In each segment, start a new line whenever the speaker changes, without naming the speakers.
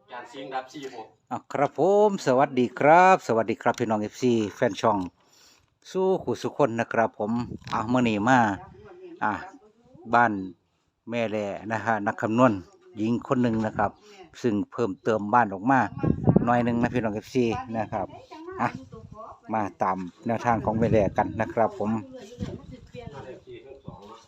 จานซิงรับ46
ครับผมสวัสดีครับสวัสดีครับพี่น้องFCแฟนช่องสู้ขู่สุคนนะครับผมเมื่อนี้มาอ่ะบ้านแม่แหล่นะฮะนักคำนวณหญิงคนหนึ่งนะครับ ซึ่งเพิ่มเติมบ้านออกมาหน่อยหนึ่งนะพี่น้องFCนะครับอ่ะมาตามแนวทางของแม่แหล่กันนะครับผม
มาได้4ทั้ง2เนาะ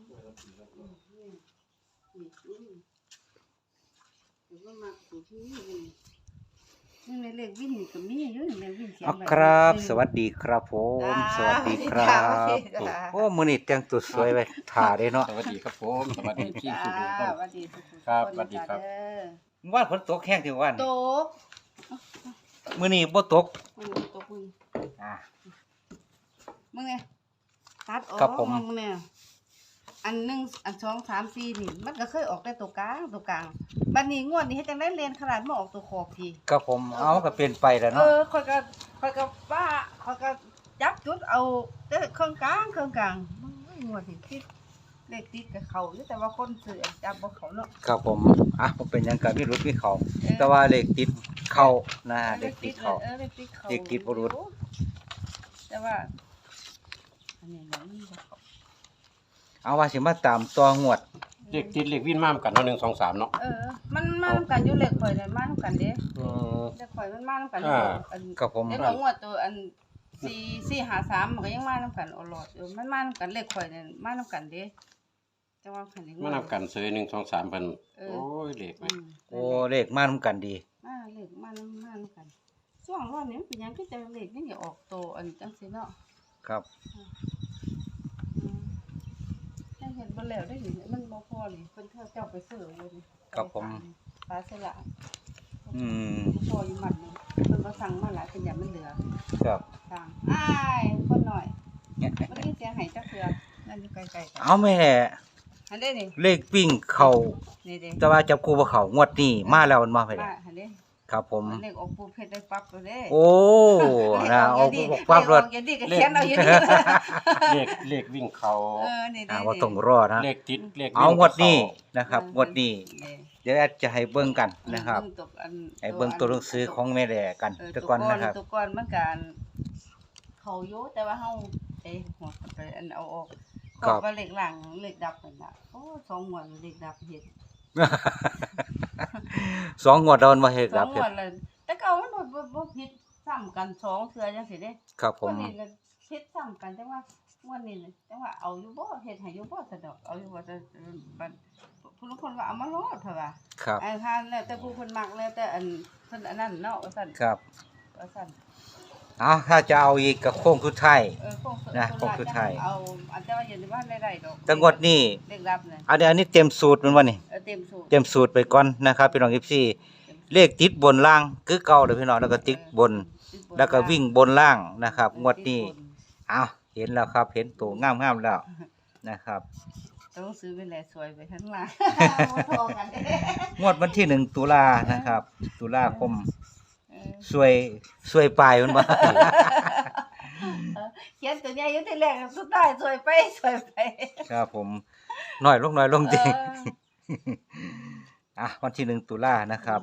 นี่ในเลขวิ่งนี่ก็มีอยู่ในเลขวิ่งเขียนไว้
ครับสวัสดีครับผมสวัสดีครับโอ้มื้อนี้แต่งตัวสวยไว้ถ่าได้เนาะ
สวัสดีครับผมสวัสดีพี่สุขุม
สวัสดีทุกๆ
ครับ
น
สวัสดีครับ
เด้อ
ว่าฝนตกแห้งที่วัน
ตก
มื้อนี้บ่ตก
มันตกมึง
อ่ะ
มึงเนี่ยตัดออก
ครับผม
งเนี่ยอันหนึ่งอันสองสามสี่นี่มันก็เคยออกแต่ตัวกลางบัดนี้งวดนี้เฮ็ดจังได้เรียนขนาดมาออกตัวขอบพี่
ครับผมเอาก็เปลี่ยนไปแล้ว
เอ
เนาะ
อค่อยก็ว่าค่อยก็จับจุดเอาแต่เครื่องกลางงวดนี้คิดเลขติดกับเขาอยู่แต่ว่าคนซื้อจับบ่เขาเนาะ
ครับผมบ่เป็นหยังก็มีรุดมีเขา
เออ
แต่ว่าเลขติดเข้านะเลขติดเข้า
เลขติดเขา
เลขติดบ่รู้
แต่ว่าอันนี้มันบ่เขา
เอาว่าสิมาตามตัวงวด
เลขติดเลขวิ่นมามกันเนาะ1 2 3เนาะ
มันมานำกันอยู่เลขข่อยนั่นมานำกันเด้
อืม
เลขข่อยมันมานำกัน
อ่า
อัน
ครับผม
เลขของงวดตัวอัน453มันก็ยังมานำกันอลอดอยู่มันมานำกันเลขข่อยนั่นมานำกันเด้แต่ว่าคันนี้
มานำกันซื้อ1 2 3เพิ่น
เออ
โอ้ยเลขไหม
โอ้เลขมานํกันดี
เลขมานำกันช่วงรอบนี้มันเป็นหยังคือจะเลขนี่อย่าออกโตอันจังซี่เนาะ
ครับ
ได้เห็นบ่แล้วได้เห็นมันบ่พอนี่เพิ่นเจ้าไปซื้อเลยนี่
ครับผม
ปลาสละ
อืม
พออยู่มันนี่เพิ่นบ่สั่งมาหลายเป็นอย่างมันเหลือ
ครับ
สั่งอ้ายคนหน่อย
เนี่ย
มันมีเสียงไห้จักเทื่อนั่นอยู่ไกลๆกัน
เอาแม่
อันนี้นี่
เลขวิ่งเข้า
นี่เด้
แต่ว่าจับคู่บ่เข้างวดนี้มาแล้วมันมาไป
มาอันนี้
ครับผม
อันนี้ออกปูเพชรได้ปั๊บแล้วเด้
โอ้นะเอาความรวด
อย่าดีก็เขียนเอาอยู่นี่
เลขวิ่งเขา
นี่เด้
ว่าต้องรอนะ
เลขติดเลขวิ่
เอางวดนี้
เข้
นะครับงวดนี้ เดี๋ยวแอดจะให้เบิ่งกันนะครับ ให้เบิ่งตัวหนังสือของแม่แหล่กันแต่ก่อนนะครับ
ตัวก่อนมันการเขาอยู่แต่ว่าเฮาหัวไปอันเอาออก
ครับ
ก็ว่าเลขหลังเลขดับนั่นน่ะโอ้2งวดเลขดับเฮ็ด
สองงวดโดนมาเฮ็ด
ส
ค
อ
รั
ง
บ
งวดเลยแต่เก่ามันบ่ผิดซ้ำกัน2เทื่อจังซี่เด้
ครับผม
วันนี้ก็ผิดซ้ำกันจังว่างวดนี้จังว่าเอาอยู่บ่เฮ็ดให้อยู่บ่ซะดอกเอาอยู่บ่แต่บัดผู้ลางคนว่าเอามาโลดเถอะว่า
ครับ
อันทานแล้วแต่ผู้เพิ่นมักแล้วแต่อันเพิ่นอันนั้นเนาะว่าซั่น
ครับ
ว่าซั่น
เอาถ้าจะเอาอีกก็โค้งสุดท้าย
คง
นะคงสุดท้าย
เอาอันแต่ว่าอย่าลืมว่าได้ดอก
แต่งวดนี้
เลขรับน่ะ
อันนี้เต็มสูตรมันว่านี่
เต็มสูตร
เต็มสูตรไปก่อนนะครับพี่น้อง FC เลขติดบนล่างคือเก่าเด้อพี่น้องแล้วก็ติดบน แล้วก็วิ่งบนล่างนะครับงวดนี้เอาเห็นแล้วครับเห็นตัวงามๆแล้วนะครับ
ต้องซื้อเป็นแลสวยไปข้างล่างบ่พอกันเด้
งวดวันที่1ตุลานะครับ ตุลาคม
เออ
สวยปลายมันบ่
เขียนตัวใหญ่อยู่ที่แรกสุดท้ายสวยไป
ครับผมน้อยลงจริง
เออ
วันที่1ตุลานะครับ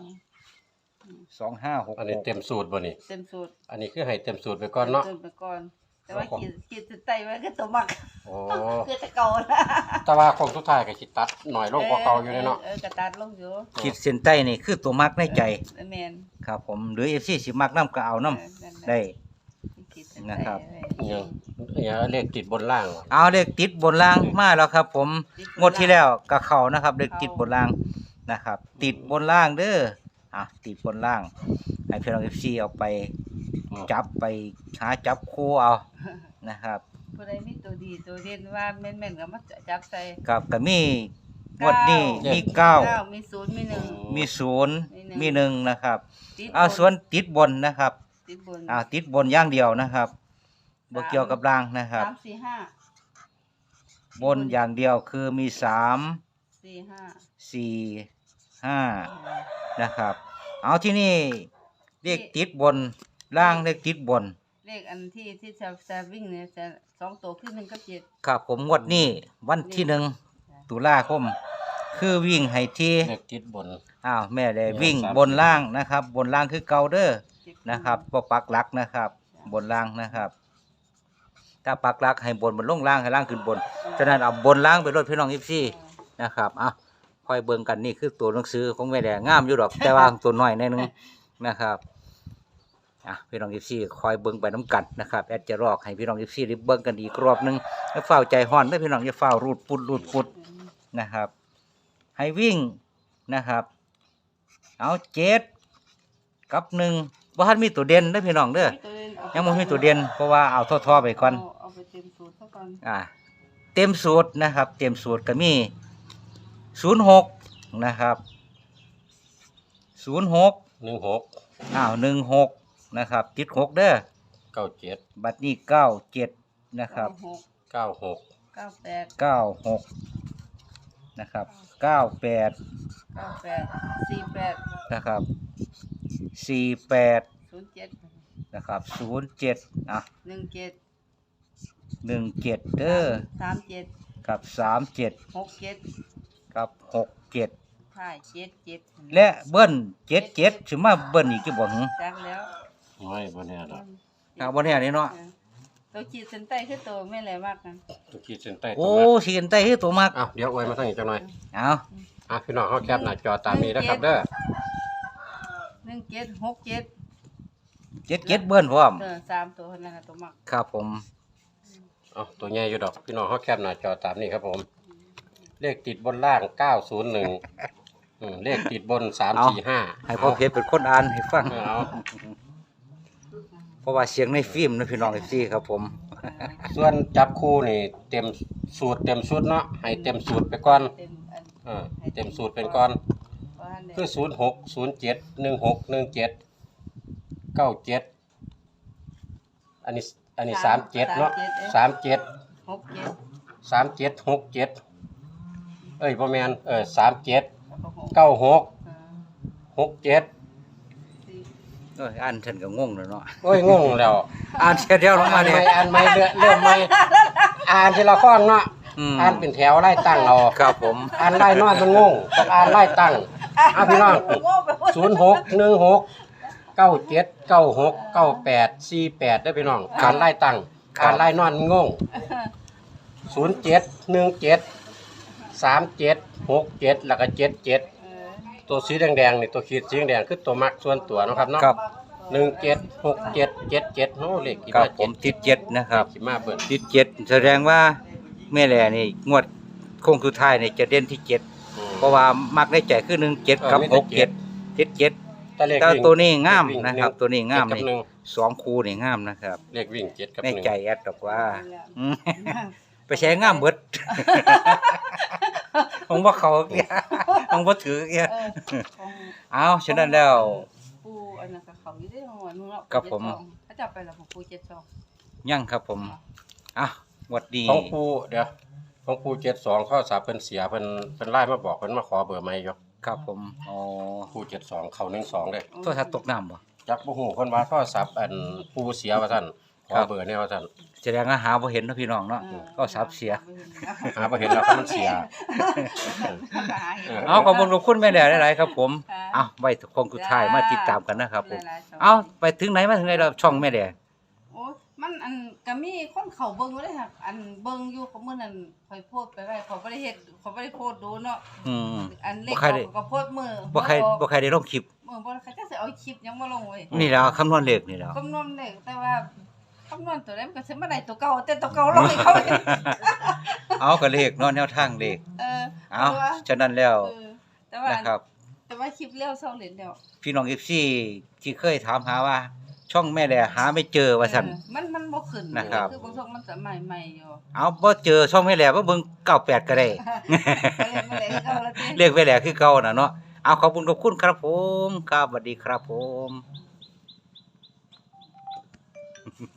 อันนี้เต็ม
2566
สูตรบ่นี่
เต็มสูตร
อันนี้คือให้เต็มสูตรไปก่อนเนาะ
เต็มไปก่อน แต่ว่าขีดสุดใต้ไว้ก็ตัวมัก
โอ้
คือจะเก่านะ
แต่ว่าคงสุดท้ายก็สิตัดหน่อยลงกว่าเก่าอยู่เนาะ
กระตัดลงอยู่
ขีดเส้นใต้นี่คือตัวมักในใจ
แม่น
ครับผมหรือ FC สิมักน้ำก็เอาน้ำได้ นะครับ
อย่างเลขติดบนล่าง
เอาเลขติดบนล่างมาแล้วครับ ผมงวดที่แล้วก็เข้านะครับเลขติดบนล่างนะครับ ติดบนล่างเด้อติดบนล่างให้พี่น้อง FC เอาไปจับไปหาจับคู่เอานะครับ
ผู้ใดมีตัวดีตัวเด่นว่าแม่นๆก็มาจับใส่
ครับก็มีงวดนี้มี
มีศูนย์มีหนึ่ง
9มี0มี1นะครับ
ติด
ส่วนติดบนนะครับ
ติดบน
ติดบนอย่างเดียวนะครับบ่เกี่ยวกับล่างนะครับ
3 4 5
บนอย่างเดียวคือมี3
4 5
4 5นะครับเอาที่นี่เลขติดบนล่างเลขติดบน
เลขอันที่จะวิ่งเนี่ยจะ2ตัวคือ1กับ7
ครับผมงวดนี้วันที่1ตุลาคมคือวิ่งให้ที่
เลขติดบน
อ้าวแม่เลย
เนี่ย
วิ่ง
สาม
บนล่างนะครับ บนล่างคือเก่าเด้อนะครับบ่ปักหลักนะครับ บนล่างนะครับ ถ้าปักหลักให้บนลงล่างให้ล่างขึ้นบนฉะนั้นเอาบนล่างไปรถพี่น้อง14นะครับอ่ะค่อยเบิ่งกันนี่คือตัวหนังสือของแม่แดงงามอยู่ดอก แต่ว่าตัวน้อยหนิดนึงนะครับอ่ะพี่น้อง14คอยเบิ่งไปน้ำกันนะครับแอดจะรอกให้พี่น้อง14ได้เบิ่งกันอีกรอบหนึงอย่าเฝ้าใจฮ้อนเด้อพี่น้องอย่าเฝ้ารูดปุดนะครับ ให้วิ่งนะครับเอา7กับ1บ่ทันมีตัวเด่นเด้อพี่น้องเด้อยังบ่มีตัวเด่นเพราะว่าเอาท่อๆไปก่อน
เอาไปเต็มสูตรซะก่อน
เต็มสูตรนะครับ เต็มสูตรก็มี06นะครับ06
16
16นะครับติด6เด้อ
97
บัดนี้97นะครับ
96
96
98
96นะครับ98
48 48
นะครับ48
07
นะครับ07อ่ะ
17
17เด้อ
37
กับ37
67
กับ67
ใช่77
และเบิ้ล77สิมาเบิ้ลอีกกี่บ่หึ
จักแล้ว
ไม่บ่แน่ดอก
บ่แน่นี่เนาะ
ตัวขีดเส้นใต้คือตัวไม่แหลมากกัน
ตัวขีดเส้นใต้
โอ้
ตัวมา
สิกันใต้คือตัวมัก
เดี๋ยวอวยมาทางนี้จังหน่อย
เอา
พี่น้องเฮาแคปหน้าจอตามนี้นะครับเด้อ
1767
77เบิ้ลพร้อม
3ตัวนั่นน่ะตัวมัก
ครับผม
ตัวใหญ่อยู่ดอกพี่น้องเฮาแคปหน้าจอตามนี้ครับผม เลขติดบนล่าง901เลขติดบน345
ให้พ่อเพชรเป็นคนอ่านให้ฟัง
เอา
เพราะว่าเสียงในฟิล์มนะพี่น้องFCครับผม
ส่วนจับคู่นี่เต็มสูตรเต็มชุดเนาะให้เต็มสูตรไปก่อน
เต็มอัน
เต็มสูตรเป็นก่อน
ว่าอันเนี่ย
คือ06 07 16 17 97อันนี้37เนาะ37
67
67 เอ้ยบ่แม่น37
96
96 67
อ่านฉันก็งงแล้วเนาะ
โอ้ยงงแล้ว
อ่านเสียเดียวลงมาเนี่ย
อ่านใหม่เริ่มใหม่อ่านทีละข้อเนาะ
ม
อ่านเป็นแถวไล่ตั้งเอา
ครับผม
อ่านไล่นอนมันงงต้องอ่านไล่ตั้งพี่น้อง06 16 97 96 98 48ได้พี่น้องอ่านไล่ตั้งอ่านไล่นอนมันงง07 17 37 67แล้วก็77ตัวสีแดงๆนี่ตัวขีดสีแดงคือตัวมักส่วนตัวเนาะครับเนาะ
ครับ
17 67 77โน้เลขกี่
ครั
มา
บผมติด7นะครับ
กี่มาเบิ่น
ติด7แสดงว่าแม่แหล่นี่งวดโค้งสุดท้ายนี่จะเด่นที่7เพราะว่ามักได้ใจคือ17กับ67ติด7
แต่เลข
แต่
วิ่ง
ตัวนี้งาม
เลขวิ่ง
นะครับ ตัวนี้งาม
เจ็ดกับ
นี่
หนึ่ง
2คู่นี่งามนะครับ
เลขวิ่ง7กับ
ใน
1
ใจแอดดอกว่าอืมไปใช้งามเบิด ผมว่าเขาเกียผมว่าถือเกีย เอาฉะนั้นแล้ว
ปูอันนั้นก็เขาอยู่ได้หัวนู้นเนาะ
ครับผม
ถ้าจับไปแล้วของปู72
ยั่งครับผมอ่ะหวัดดี
ของปูเดี๋ยวของปู72ข้อสาเพิ่นเสียเพิ่นไล่มาบอกเพิ่นมาขอเบอร์ใหม่อยู่
ครับผมอ๋อ
ปู72เข้า12เด้
โทรศัพท์ตกน้ำบ่
จักบ่ฮู้เพิ่นว่าโทรศัพท์อันปูเสียว่าซั่นขอเบอร์แนวว่าซั่น
แสดงว่าหาบ่เห็นเนาะพี่น้องเนาะก็ทรัพย์เสีย
หาบ่เห็นแล้วเพราะมันเสีย
เอาขอบคุณแม่แดดหลายๆครับ ผมเอาไว้คงสุดท้ายมาติดตามกันนะครับผมเอาไปถึงไหนมาถึงไหนแล้วช่องแม่แดด
โอ้มันอันก็มีคนเขาเบิ่งอยู่เลยค่ะอันเบิ่งอยู่ก็มื้อนั้นข่อยโพสต์ไปไว้เขาบ่ได้เฮ็ดเขาบ่ได้โพสต์ดูเนาะ
อืม
อันเล็ก
บ่ใครได้
เขาก็โพสต์มือ
บ่ใครได้ลงคลิป
บ่ใครจะสิเอาคลิปยังบ่ลงเว้ย
นี่แหล้วคำนวณเลขนี่แหล้ว
คำนวณเลขแต่ว่าคำนวณตัวใดมันก็สิมาได้ตัวเก่าแต่ตัวเก่าลงให้เขาอีก
เอาก็เลขเนาะแนวทางเลข เอา
แต่ว่า
ฉะนั้นแล้ว
แต่ว่า
นะครับ
แต่ว่าคลิปเลี้ยวเศร้าเหรียญแล้ว
พี่น้อง FC ที่เคยถามหาว่า ช่องแม่แดดหาไม่เจอว่าซั่น
มันบ่ขึ้น
นะครับ
คือบางช่วงมันจะใหม่ๆอยู่
เอาบ่เจอช่องแม่แดดบ่เบิ่ง98ก็ได้
ก็เลยเอาละติ
เรียกไว้แหละคือเก่าน่ะเนาะ เอาขอบคุณครับผมครับสวัสดีครับผม